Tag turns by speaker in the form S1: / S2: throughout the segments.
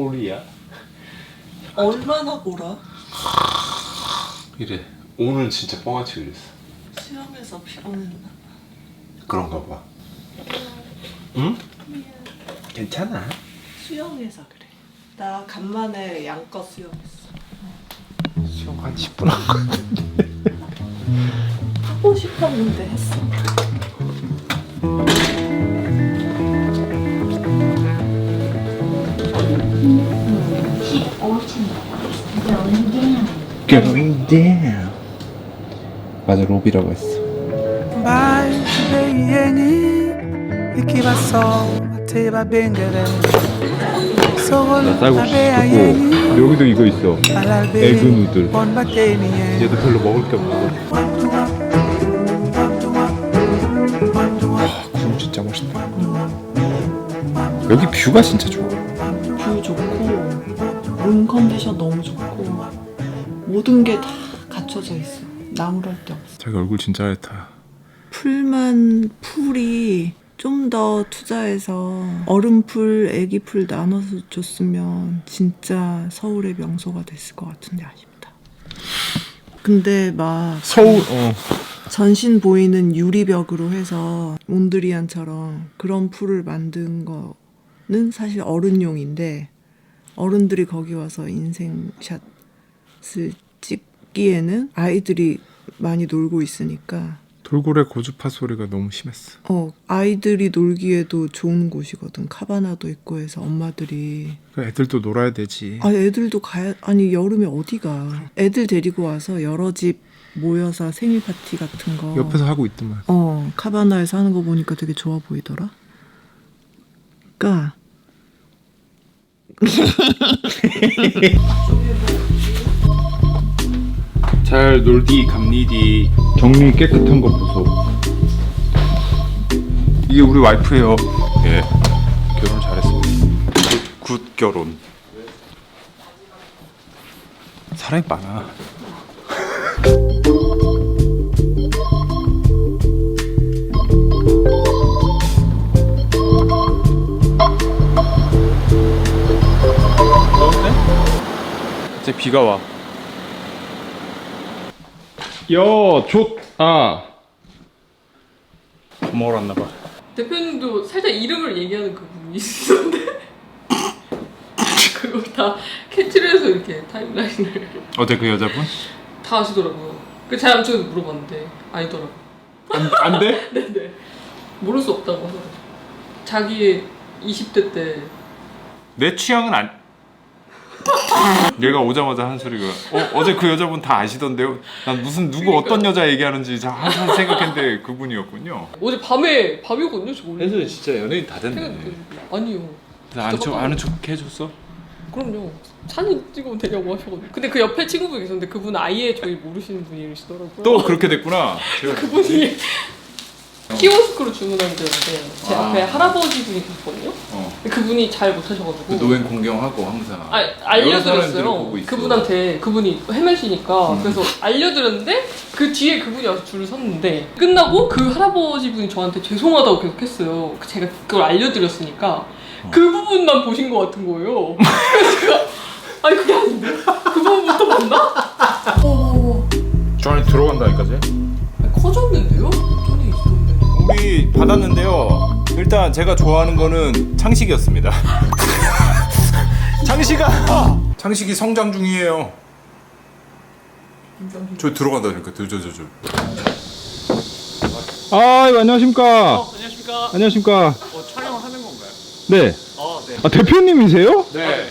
S1: 코리아.
S2: 얼마나 보라?
S1: 이래. 오늘 진짜 뻥아치 그랬어.
S2: 수영해서 피곤했나?
S1: 그런가 봐. 응? 괜찮아.
S2: 수영해서 그래. 나 간만에 양껏 수영했어.
S1: 수영 한 10분 한 거 같은데.
S2: 하고 싶었는데 했어.
S1: Going down. 맞아, 로비라고 했어. 나 쌀국수 시켰고 여기도 이거 있어. 에그 누들. 얘도 별로 먹을 게 없어. 와, 구름 진짜 멋있다. 여기 뷰가 진짜 좋아.
S2: 뷰 좋고 룸 컨디션 너무 좋고 모든 게 다 갖춰져 있어. 나무랄 데 없어.
S1: 자기 얼굴 진짜 하얗다.
S2: 풀이 좀 더 투자해서 얼음풀, 애기풀 나눠서 줬으면 진짜 서울의 명소가 됐을 것 같은데 아쉽다. 근데 막
S1: 서울
S2: 전신 보이는 유리벽으로 해서 몬드리안처럼 그런 풀을 만든 거는 사실 어른용인데 어른들이 거기 와서 인생샷을 찍기에는 아이들이 많이 놀고 있으니까
S1: 돌고래 고주파 소리가 너무 심했어.
S2: 아이들이 놀기에도 좋은 곳이거든. 카바나도 있고 해서 엄마들이
S1: 애들도 놀아야 되지.
S2: 애들도 아니 여름에 어디가 애들 데리고 와서 여러 집 모여서 생일 파티 같은 거
S1: 옆에서 하고 있더만.
S2: 카바나에서 하는 거 보니까 되게 좋아 보이더라. 그러니까
S1: 잘 놀디 갑니디. 정리 깨끗한 거 보소. 이게 우리 와이프예요. 예, 결혼 잘했습니다. 굿 결혼. 사람이 많아. 이제 비가 와. 먹으러 왔나봐.
S3: 대표님도 살짝 이름을 얘기하는 그 부분이 있었는데 그거 다 캡처를 해서 이렇게 타임라인을
S1: 어제 그 여자분?
S3: 다 아시더라고요. 그 제가 아무튼 물어봤는데 아니더라고요.
S1: 안 돼?
S3: 네네. 모를 수 없다고 하더라고요. 자기의 20대 때
S1: 내 취향은 얘가 오자마자 한 소리가 어제 그 여자분 다 아시던데요? 난 무슨 누구 어떤 여자 얘기하는지 항상 생각했는데 그분이었군요.
S3: 어제 밤이거든요. 저 원래.
S1: 혜수 진짜 연예인 다 됐네.
S3: 아니요.
S1: 아는 척 해줬어?
S3: 그럼요. 사진 찍으면 되냐고 하셔가지고. 근데 그 옆에 친구분이 계셨는데 그분은 아예 저희 모르시는 분이시더라고요.
S1: 또 그렇게 됐구나.
S3: 그분이 키오스크로 주문한 데였는데 제 앞에 할아버지 분이 계셨거든요. 근데 그분이 잘 못하셔가지고
S1: 노인 공경하고 항상.
S3: 알려드렸어요. 그분한테. 그분이 헤매시니까 그래서 알려드렸는데 그 뒤에 그분이 와서 줄을 섰는데 끝나고 그 할아버지 분이 저한테 죄송하다고 계속 했어요. 제가 그걸 알려드렸으니까 그 부분만 보신 것 같은 거예요. 그래서 제가 아니 그게 아닌데? 그 부분부터 봤나?
S1: 저 안에 들어간다니까 쟤?
S3: 커졌는데요? 돈이 있었는데.
S1: 우리 받았는데요. 일단 제가 좋아하는 거는 창식이었습니다. 창식이 성장 중이에요. 저 들어간다니까. 안녕하십니까.
S4: 안녕하십니까.
S1: 안녕하십니까.
S4: 촬영을 하는 건가요?
S1: 네.
S4: 네.
S1: 대표님이세요?
S4: 네.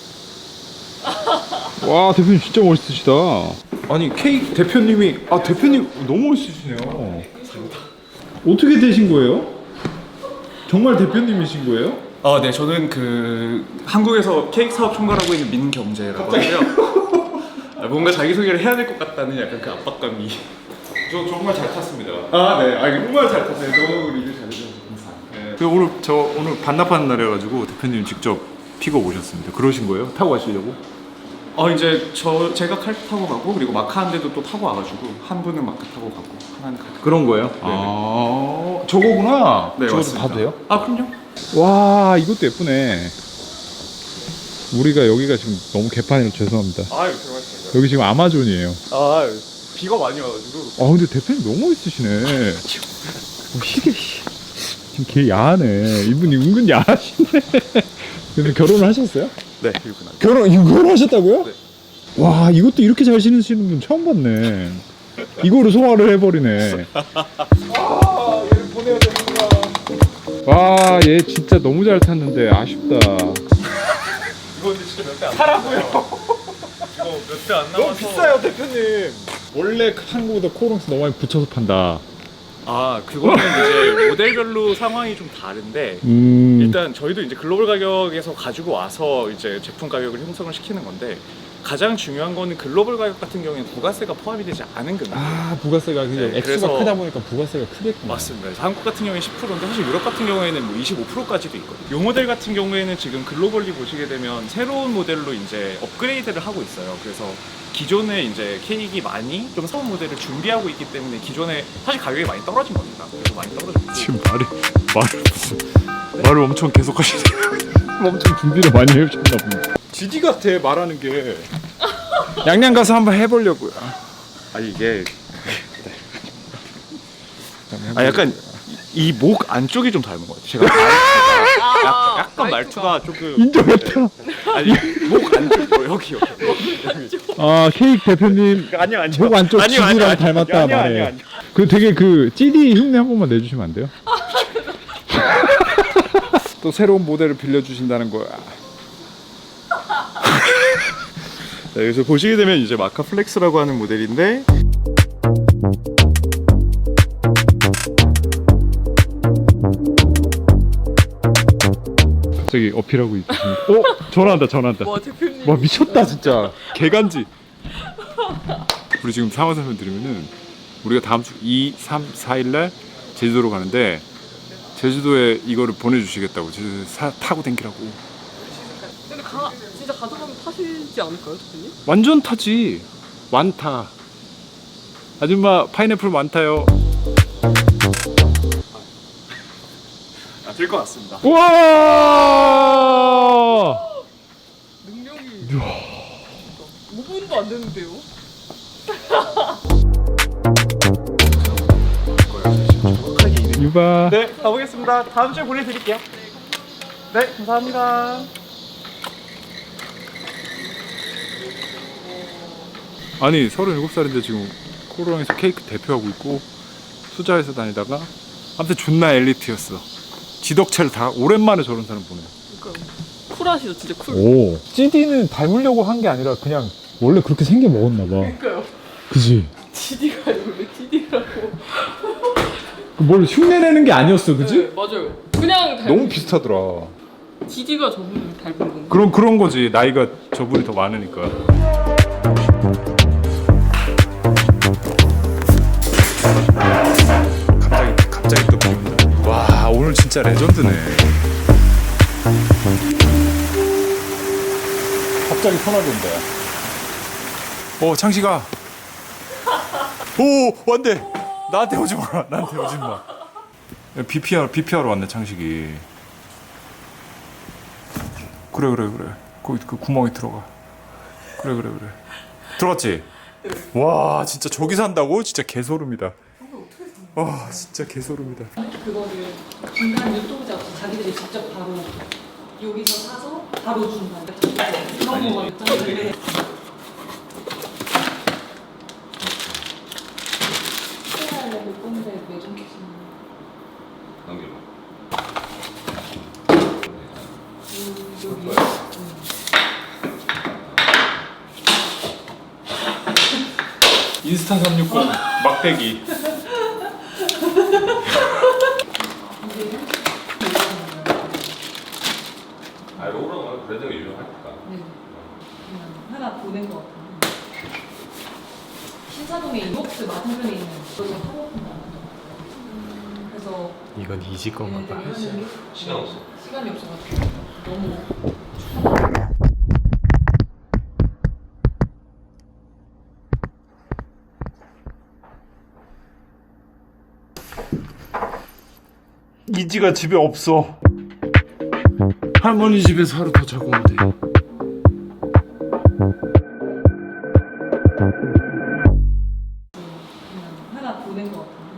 S1: 와, 대표님 진짜 멋있으시다. 아니, K 대표님이 대표님 너무 멋있으시네요. 어떻게 되신 거예요? 정말 대표님이신 거예요?
S4: 네, 저는 그 한국에서 케이크 사업 총괄하고 있는 민경재라고 하고요. 뭔가 자기소개를 해야 될 것 같다는 약간 그 압박감이.
S1: 저 정말 잘 탔습니다.
S4: 네. 정말 잘 탔어요. 너무 리뷰 잘해주셔서 감사합니다.
S1: 네. 오늘 반납하는 날이어가지고 대표님 직접 픽업 오셨습니다. 그러신 거예요? 타고 가시려고?
S4: 이제 제가 칼 타고 가고 그리고 마카 한 대도 또 타고 와가지고 한 분은 마카 타고 가고 하나는 칼.
S1: 그런 거예요? 저거구나.
S4: 네,
S1: 저것도
S4: 맞습니다.
S1: 봐도 돼요?
S4: 그럼요.
S1: 와, 이것도 예쁘네. 우리가 여기가 지금 너무 개판이라 죄송합니다.
S4: 아유, 들어가겠습니다.
S1: 여기 지금 아마존이에요.
S4: 아, 비가 많이 와가지고.
S1: 아 근데 대표님 너무 멋있으시네. 이게 지금 개 야하네. 이분이 은근 야하시네. 근데 결혼을 하셨어요?
S4: 네, 이분
S1: 결혼하셨다고요?
S4: 네.
S1: 와 이것도 이렇게 잘 신으시는 분 처음 봤네. 이거로 소화를 해버리네. 아, 얘 보내야 되는구나. 와, 얘 진짜 너무 잘 탔는데 아쉽다.
S4: 이거 근데 진짜 몇 대 안 사라고요. 이거 몇 대 안 남아서.
S1: 너무 비싸요, 대표님. 원래 한국보다 코롱스 너무 많이 붙여서 판다.
S4: 아, 그거는 이제 모델별로 상황이 좀 다른데 일단 저희도 이제 글로벌 가격에서 가지고 와서 이제 제품 가격을 형성을 시키는 건데 가장 중요한 거는 글로벌 가격 같은 경우에는 부가세가 포함이 되지 않은 금액.
S1: 아, 부가세가
S4: 네,
S1: 액수가
S4: 그래서-
S1: 크다 보니까 부가세가 크겠구나.
S4: 맞습니다. 그래서 한국 같은 경우에 10%인데 사실 유럽 같은 경우에는 뭐 25%까지도 있거든요. 이 모델 같은 경우에는 지금 글로벌리 보시게 되면 새로운 모델로 이제 업그레이드를 하고 있어요. 그래서 기존에 이제 케이크 많이 좀 새로운 모델을 준비하고 있기 때문에 기존에 사실 가격이 많이 떨어진 겁니다. 그래서 많이 떨어졌고.
S1: 지금 말을 엄청 계속 하시네요. 엄청 준비를 많이 해주셨나 봅니다. GD 같아 말하는 게. 양양 가서 한번 해보려고요.
S4: 아 이게 약간 이 목 안쪽이 좀 닮은 것 같아요. 제가 약간 말투가 조금
S1: 인정했다.
S4: 아니 목 안쪽 여기.
S1: 아 케이크 대표님
S4: 아니요
S1: 목 안쪽 GD랑 닮았다 말해. 그 되게 그 GD 흉내 한 번만 내주시면 안 돼요? 또 새로운 모델을 빌려주신다는 거야.
S4: 네, 그래서 보시게 되면 이제 마카 플렉스라고 하는 모델인데
S1: 갑자기 어필하고 있습니다. 전화한다.
S3: 와 대표님.
S1: 와 미쳤다 진짜. 개간지. 우리 지금 상황 설명 드리면은 우리가 다음 주 2, 3, 4일날 제주도로 가는데 제주도에 이거를 보내주시겠다고 제주도에 타고 댕기라고.
S3: 근데 진짜 가져가면 타시지 않을까요, 대표님?
S1: 완전 타지. 완타. 아줌마 파인애플 많다요.
S4: 될 것 같습니다.
S1: 우와.
S3: 능력이 5분도 안 됐는데요?
S1: 유바.
S4: 네, 가보겠습니다. 다음 주에 보내드릴게요. 네, 감사합니다.
S1: 아니 37살인데 지금 코로나에서 케이크 대표하고 있고 투자해서 다니다가 아무튼 존나 엘리트였어. 지덕체를 다 오랜만에 저런 사람 보네.
S3: 그러니까 쿨하시죠, 진짜 쿨.
S1: 오. GD는 닮으려고 한 게 아니라 그냥 원래 그렇게 생겨 먹었나 봐.
S3: 그러니까요.
S1: 그지?
S3: GD가 원래 GD라고.
S1: 뭘 흉내내는 게 아니었어, 그지?
S3: 네, 맞아요. 그냥
S1: 너무 비슷하더라.
S3: GD가 저분을 닮은 건데.
S1: 그런 거지. 나이가 저분이 더 많으니까. 갑자기 또 비온다. 와, 오늘 진짜 레전드네. 갑자기 전화가 온다. 창식아. 오, 왔네. 나한테 오지 마. 나한테 오지 마. BP하러 왔네, 창식이. 그래. 거기 그 구멍에 들어가. 그래. 들어갔지? 와, 진짜 저기 산다고? 진짜 개소름이다. 와, 진짜 개소름이다.
S3: 그거를 중간 유통자 없이 자기들이 직접 바로 여기서 사서 바로 준다. 그런 거 있잖아요. 못 건데 매점 계시는
S1: 인스타 360 막대기.
S5: 로우랑 브랜드가 유명하니까.
S3: 하나 보낸 것 같아요. 신사동에 이목스 맞은편에 있는 그거 사모펀다. 그래서
S5: 이건 이지 건가 봐. 시간 없어.
S3: 시간이 없어가지고 너무
S1: 이지가 집에 없어. 할머니 집에서 하루 더 자고 오면 돼.
S3: 하나 보낸 것 같은데.